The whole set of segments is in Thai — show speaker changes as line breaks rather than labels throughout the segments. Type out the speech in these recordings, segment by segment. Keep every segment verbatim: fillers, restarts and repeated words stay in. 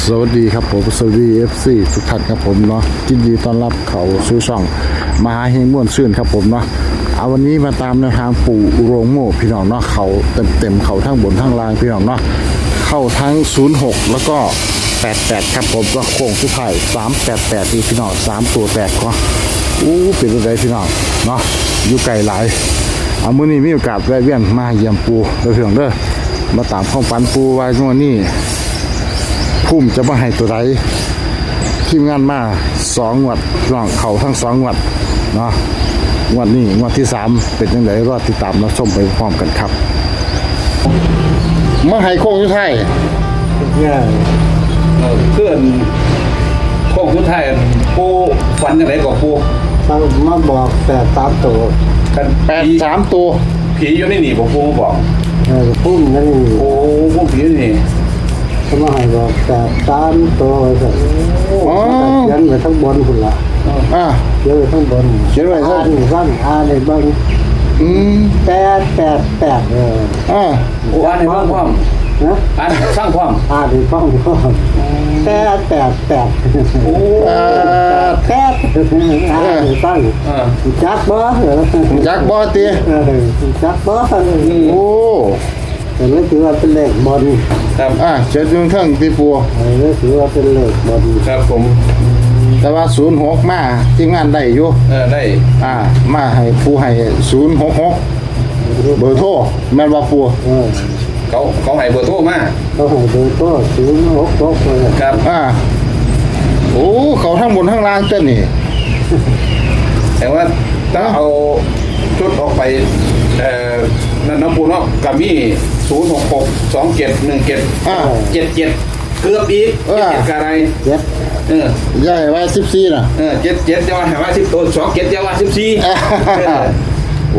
สวัสดีครับผมสวัสดี เอฟ ซี ทุกท่านครับผมเนาะยินดีต้อนรับเขาสู่ช่องมหาเฮงม่วนซื่นครับผมเนาะเอาวันนี้มาตามแนวทางปู่โรงโม่พี่น้องเนาะเขาเต็มเต็มเขาทั้งบนทั้งล่างพี่น้องเนาะเข้าทั้งศูนย์หกแล้วก็แปดแปดครับผมก็โค้งสุดท้ายสามแปดแปดที่พี่น้องสามตัวแตกก็อู้เป็นอะไรพี่น้องเนาะอยู่ไกลหลายเอามื้อนี้มีโอกาสแวะเวียนมาเยี่ยมปู่เด้อพี่น้องเด้อมาตามความฝันปู่ไว้งวดนี้พุ่มจะมาให้ตัวใดทีมงานมาสองงวดร่องเขาทั้งสองงวดเนาะงวดนี้งวดที่สามเป็นยังไงรอติดตามรับชมไปพร้อมกันครับมาให้โค้งสุดท้าย
เนี่ยเพื่อนโค้งสุดท้ายปูฝันยังไงกับปู
เขามาบอกแต่ตามตัว
กัน
แปดสามตัว
ผีอยู่ในนี่ผมปูบอก
เออพุ่มนั่นนี่
โอ้พวกผีนี่
เขามาให้บอกแต่ตามตัวเลย
อ๋อ
เขียนไว้ทั้งบนคุณละ
อ่ะ
เขียนไว้ทั้งบน
เขียนไว้ทั้ง
อ่านฟังอ่านในบ้าง
อืม
แปดแปดแปดเออ
อ่ะ
โอ้อ่านในฟังความ
นะ
อ่านสร้างความ
อ่านในฟังก็แปดแปดแปด
โอ้
แปด
แปดอ่านในฟัง
เออ
จักบ่เออ
จักบอตี
เออจักบ่
โอ้
แต่ไม่ถือว่าเป็นเลขบน
ครับ
อ่ะเจ็ดยุงเทิงตีปัว
เออไม่ถือว่าเป็นเลขบน
ครับผม
แต่ว่าศูนย์หกมาทีมงานได้อยู่
เออได้
อ่ามาให้ผู้ให้ศูนย์หกหกเบอร์โทรแม่นว่าปัว
เออ
เขาเขาให้เบอร์โทรมา
เขาให้ดูก็ศูนย์หกหกเลย
ครับ
อ่าโอ้เขาทั้งบนทั้งล่างเต้นนี่
แต่ว่าถ้าเอาชุดออกไปเอ่อนั่นน้ำปูเนาะกับมีศูนย์หกหกสองเจ็ดหนึ่งเจ็ด
อ่า
เจ็ดเจ็ดเกือบอีก
เออ
เจ็ดกับอะไร
เจ็ด
เออ
ใหญ่ไว้สิบสี่น่ะ
เออเจ็ดเจ็ดจะว่าให้ว่าสิบตัวสองเจ็ดจะว่าสิบสี่
โอ้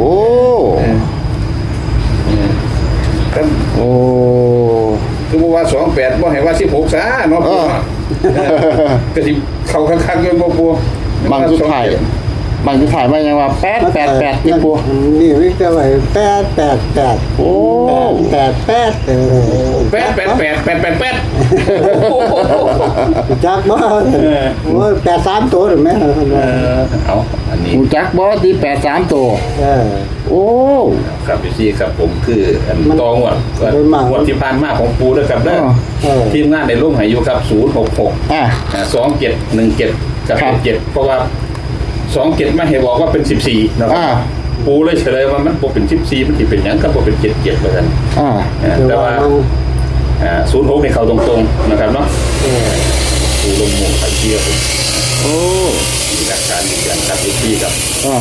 โอ้
คือบอกว่าสองแปดบ่ให้ว่าสิบหกซะเนาะปูเนาะเออก็สิเข้าข้างๆกันบ่ปู
บางสุดท้ายบางสุดท้ายมายังว่าแปดแปดแปดนี่ปัว
นี่วิจารณ์แปดแปดแปด
โอ้
แปดแปดเออ
แปดแปดแปดแปดแปดแปด
จักบ่โอ้ยแปดสามตัวหรือไม่
เออเอาอันนี้
หูจักบอตีแปดสามตัว
เออ
โอ้
ครับพี่ซีครับผมคืออัน
มัน
ตองวดก็
โดยมาก
งวดที่ผ่านมาของปูด้วยครับเด้อ
เออ
ทีมงานในร่มหายุครับศูนย์หกหก
อ่ะ
สองเจ็ดหนึ่งเจ็ดกับ
ครับ
เจ็ดเพราะว่าสองเจ็ดไม่ให้บอกว่าเป็นสิบสี่นะครั
อ่า
บปูเลยเฉลยว่ามันบ่เป็นสิบสี่มันที่เป็นหยังก็บ่เป็นเจ็ดเจ็ดเหมือนกัน
อ่ะ
เออ
คือ
แต่
ว่า
ว่า
มัน
ศูนย์หกในเขาตรงๆนะครับเนาะ
เออ
ปูลงหมู่ขันเชียร์ผม
โอ้
มีหลักการยืนยันครับพี่ซีครับ
อ่ะ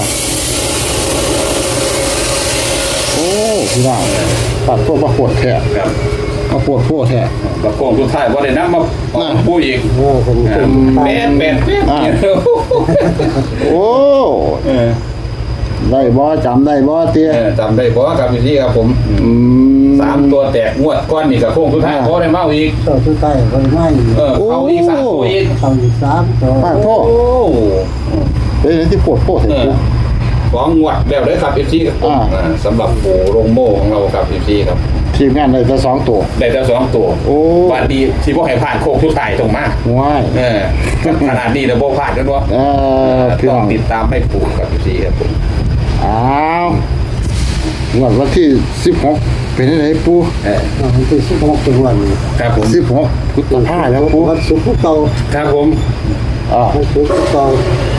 โอ้พี่น้องตัดพวกมาปวดแท้
ครับ
มาปวดพวกแท้
กระโปรงสุดท้ายว่าได้นับมาออกปูอีก
เออเป็นเป็น
แปดแปดแปด
อ่า โอ้
เออ
ได้บอจำได้บอเตี้ย
เออจำได้เพราะครับพี่ซีครับผม
อืม
สามตัวแตกงวดก้อนนี่กับโค้งสุดท้าย
อ่า
เพราะได้เมาอีก
ตัวสุดท้ายก็ไม่
เออเอาอีกสามตัวอีก
เขาอีกสามตัว
ป้าพ่อ
โอ้
เฮ้ยที่ปวดพวกเห็น
เอ
กู
อของงวดแล้วเลยครับพี่ซีครับผม
อ่า
อ่าสำหรับโอ้โรงโม่ของเราครับพี่ซีครับ
ทีมงานได้แต่สองตัว
ได้แต่สองตัว
โอ้
วันดีที่พวกให้ผ่านโค้งสุดท้ายตรงมา
ว้าย
เออขนาดนี้เราโบผ่านกันวะ
เออพี่
ต้
น้
อ
อง ง
ติดตามให้ปูครับพี่ซีครับผม
อ้าวงวดวันที่สิบหกเป็นยังไงปู
เออ
มันเป็นสิบหกจังหวัด
ครับผม
สิบหกพุทธภาแล้วปู
วันศุกร์เก่า
ครับผม
อ่า
วันศุกร์เก่า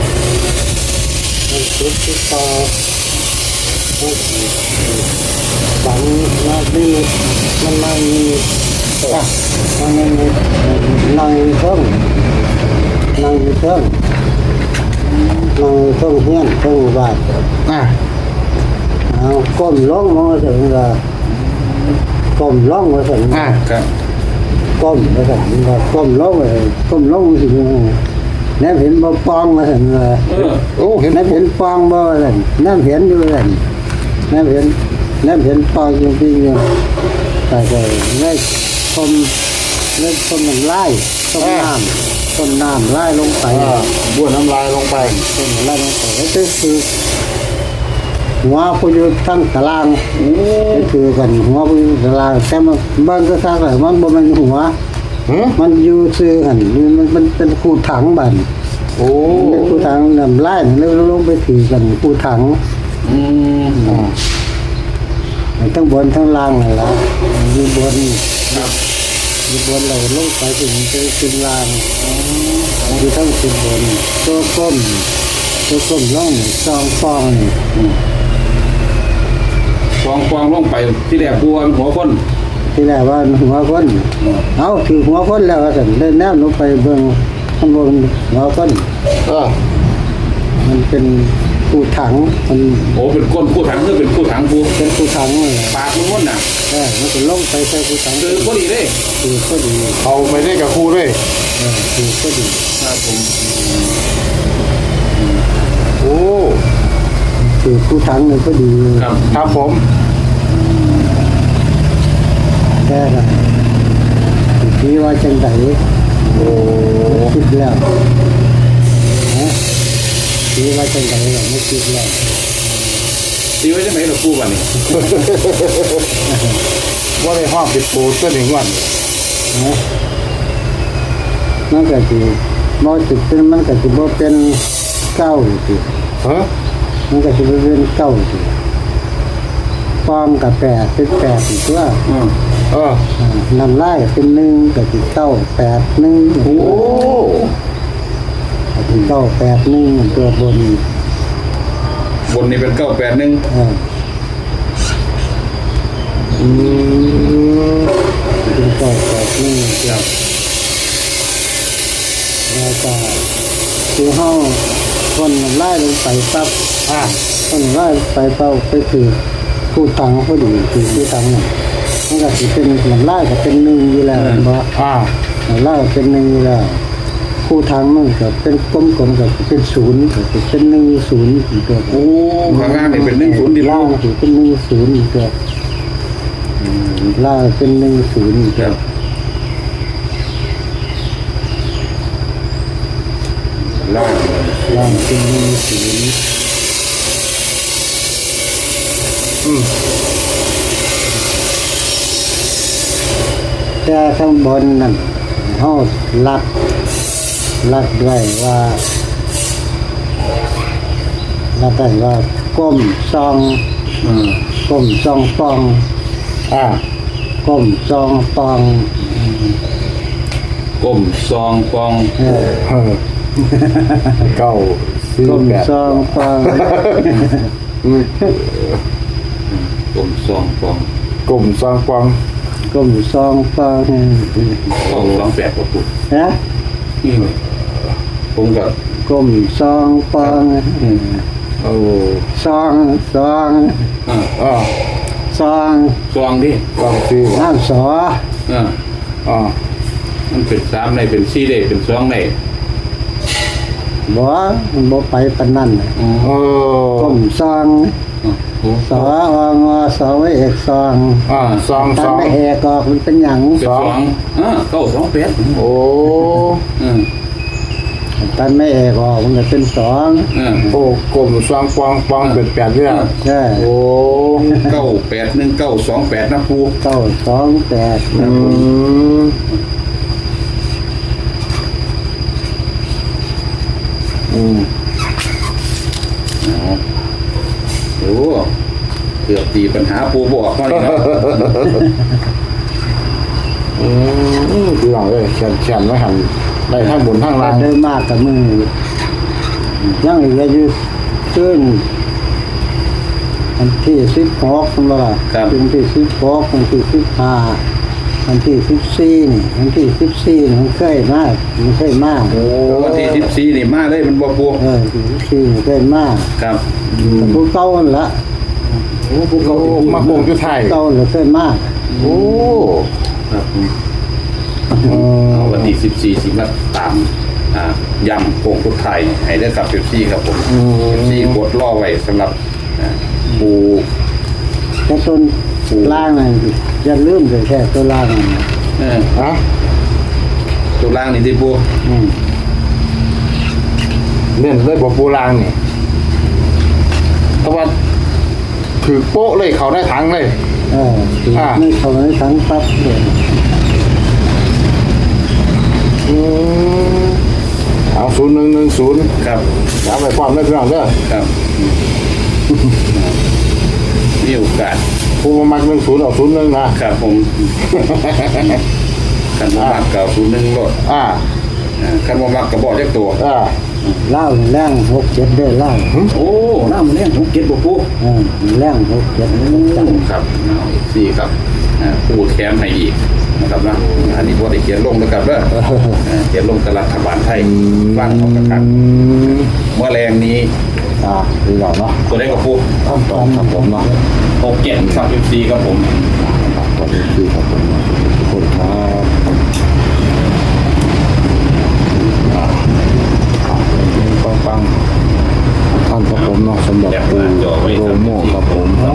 วันศุกร์เก่าฝันว่าดีมันนั่ง
อ่ะ
นั่งนั่งเครื่องนั่งเครื่องนั่งเครื่องเฮียนเครื่องบาท
อ่ะ
เอาก้มลงมาถึงละก้มลงมาถึง
อ่ะ
ครับ
ก้มมาถึงละก้มลงเลยก้มลงถึงแนบเห็นบ่ปองมาถึงละ
เออ
โอ้เห็น
แนบเห็นปองบ่เลยแนบเห็นอยู่เลยแนบเห็นแนบเห็นปองจริงๆแต่ก็ได้ชมได้ชมมันไล่ต้มน้ำต้มน้ำไล่ลงไป
อ่าบ้วนน้ำลายลงไป
ต้มไล่ลงไปแล้วก็คือหัวผู้อยู่ทั้งตาราง
โอ้
นี่คือกันหัวผู้อยู่ตารางแต่มันบ้านก็ทางไหนมันบ่แม่นหัว
หือ
มันอยู่ซื้อหันมันมันเป็นคูถังบัน
โอ้
เป็นคูถังนำไล่แล้วลงไปถือกันคูถัง
อืม
อ่า
ทั้งบนทั้งล่างเลยละอยู่บน
ครับ
อยู่บนเราลงไปถึงจะขึ้นล่างอยู่ทั้งขึ้นบนตัวก้มตัวก้มล่องซองฟองนี่
ฟองฟองลงไปที่แรกปูว่าหัวคน
ที่แรกว่าหัวคนเอาถือหัวคนแล้วสันเดินแนวลงไปเบื้องข้างบนหัวคน
เออ
มันเป็นคูถังมัน
โอ้เป็นก้นคู่ถังคือเป็นคู่ถังปู
เป็นคูถังเลย
ปากมันม้วนน่ะ
เออมันก็ลงไปใส่คูถัง
คือพอดีเลย
ถือก็ดี
เอาไปได้กับครูด้วย
เออถือก็ดี
ครับผม
โอ้
ถือคูถังเลยก็ดี
ครับ
ครับผม
แค่นั้นคิดว่าจังได
โอ้
คิดแล้วนะคิดว่าจังไดเราไม่คิดแล้ว
ตีไว้จะไหนเราปูบ้านี่
ว่าได้ห้องปิดปูตัวหนึ่งวัน
นะมันก็สิบ่จุดเป็นมันก็สิบ่เป็นเก้าสิ
เฮ้อ
มันก็สิบ่เป็นเก้าสิฟอมกับแปดเป็นแปดอีกตัว
อืม
เออ
อ่านำไล่เป็นหนึ่งก็สิเก้าแปดหนึ่ง
โอ้
ก็สิเก้าแปดหนึ่งตัวบน
บนนี่เป็นเก้าแปดหนึ่ง
เออ
อืม
เป็นเก้าแปดหนึ่ง
ครับ
แล้วก็คือเฮาคนไล่ลงไปปั๊บ
อ่า
คนไล่ไปเป้าไปคือผู้ตังพอดีคือผู้ตังเนี่ยมันก็สิเป็นมันไล่ก็เป็นหนึ่งอยู่แล้วบ่
อ่า
มันไล่ก็เป็นหนึ่งอยู่แล้วผู้ทางมันก็เป็นกลมๆก็เป็นศูนย์ก็เป็นหนึ่งศูนย์อีกตัว
โอ้ข้างล่างนี่เป็นหนึ่งศูนย์ดี
ล่า
ปู
งเป็นหนึ่งศูนย์อีกตัวล่างเป็นหนึ่งศูนย์อีก
ค
ตัว
รับล่าง
ล่างเป็นหนึ่งศูนย์
อืม
แต่ข้างบนนั่นเฮาลัดลัดด้วยว่าลัดได้ว่าก้มซอง
อืม
ก้มซองฟอง
อ่า
ก้มซองฟอง
ก้มซองฟอง
เออ
เออเก้าสี่
ก้ม
แปด
ซองฟอง
อืม
ก้มซองฟอง
กลุ่มซองฟอง
ก้มซองฟอง
ฟองสองแปดกว่าปู
นะ
อืมผมก็
ก้มซองฟอง
โอ้
ซองซอง
อ่า
อ่า
ซอง
ซองดิ
ซองสี่
น้ำสอ
อ่า
อ่า
มันเป็นสามในเป็นสี่ได้เป็นสองใน
บ่มันบ่ไปปานนั้นน่ะ
อ๋อ
โอ้
ก้มซอง
โอ้
สอวงอสอไว้เอกซอง
อ่าซอง
ถ้า
ซอง
ไม่เอกออกมันเป็นหยัง
เป็นสองอ่าเก้าสองแปด
โอ้
อืม
ถ้าไม่เอกออกมันก็เป็นสอง
อ่า
โอ้กลุ่มซองฟองฟองเป็นแปดเรื่อง
ใช่
โอ้
เก้าแปดหนึ่งเก้าสองแปดนะปู
เก้าสองแปด
อืมอืม
อ๋อโอ้เกือบตีปัญหาปูบอกเขาเลยเนาะ
อืมพี่น้องเอ้ยแขนแขนไว้หันได้ทั้งบนทั้งล่าง
เดินมากกับมือยังเหลืออยู่ซึ่งอันที่สิบหกมันว่าอันที่สิบหกอันที่สิบห้าอันที่สิบสี่นี่อันที่สิบสี่นี่มันเคยมากมันเคยมาก
โอ้วันที่สิบสี่นี่มาเลยมันบอกปู
เออที่สิบสี่นี่เคยมาก
ครับ
แต่ผู้เก่านั่นละ
โอ้ปูเขา
โอ้มาโป่งจุดไทย
เก่าเลยเคยมาก
โอ้
ครับ
เออ
เอาวันที่สิบสี่สิมาตามอ่ายำโป่งทุกไทยให้ได้กับเอฟซีครับผมเอฟซีกดล่อไว้สำหรับอ่าปู
แต่ต้นล่างนั่นอย่าลืมเลยแค่ตัวล่างนั่นนะ
เออ
ฮะ
ตัวล่างนี่ที่ปู
อืม
เล่นเลยบ่ปูรางนี่แต่ว่าถือโป๊ะเลยเขาได้ทั้งเลย
เออ
อ่า
ไม่เขาไม่ทั้งปั๊บเลย
อืมเอาศูนย์หนึ่งหนึ่งศูนย์
ครับ
เอาไปความได้พี่น้องเด้อ
ครับมีโอกาส
ผู้มามักหนึ่งศูนย์เอาศูนย์หนึ่งนะครับ
ผมคันบ่มักเก่าศูนย์หนึ่งรถ
อ่า
อ่าคันบ่มักกระบอกเรียกตัว
อ่า
เล่าแรงหกเจ็ดได้เล่า
โอ้น้ามันเล่นทุกเก็ตบ่ปู
เออแรงหกเจ็ดจัง
ครับเอาอีกสี่ครับอ่าปูแถมให้อีกนะครับนะอันนี้บ่ได้เขียนลงนะครับเด้ออ่าเขียนลงกับรัฐบาลไทยบ้านของกระกัน
อืม
เมื่อแรงนี้
อ่าพี่น้องเนาะ
ตัวได้กับปู
ขั้นตอนครับผมเนาะ
หกเจ็ดครับสิบสี่ครับผม
ตอนนี้คือครับผมทุกคนครับอ่าปังปังๆท่านครับผมเนาะสำหรับปูโรโม่ครับผม